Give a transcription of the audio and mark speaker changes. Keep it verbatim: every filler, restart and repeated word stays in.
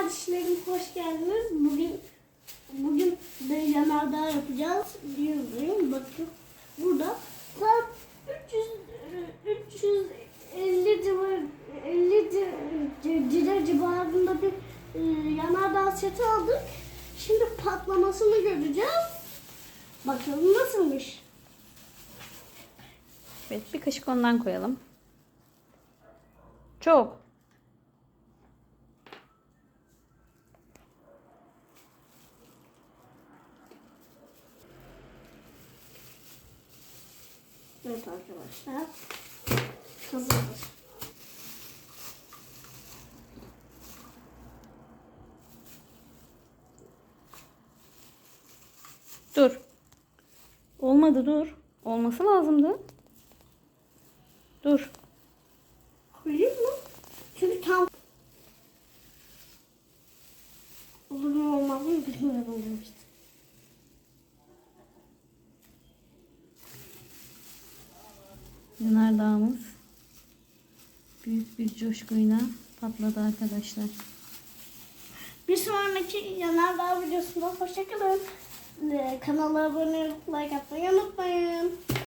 Speaker 1: kardeşlerim, hoş geldiniz. Bugün bugün de yanardağ yapacağız diyorum. Bakın burada tam üç yüz üç yüz elli civar elli lira civarında bir e, yanardağ seti aldık. Şimdi patlamasını göreceğiz. Bakalım nasılmış.
Speaker 2: Evet, bir kaşık ondan koyalım. Çok.
Speaker 1: Evet arkadaşlar. Hazırdır.
Speaker 2: Dur. Olmadı, dur. Olması lazımdı. Dur.
Speaker 1: Koyayım mı? Çünkü tam olur mu olmaz mı bilmiyorum işte.
Speaker 2: Yanardağımız büyük bir coşkuyla patladı arkadaşlar.
Speaker 1: Bir sonraki yanardağ videosunda hoşçakalın. Ee, kanala abone olup like atmayı unutmayın.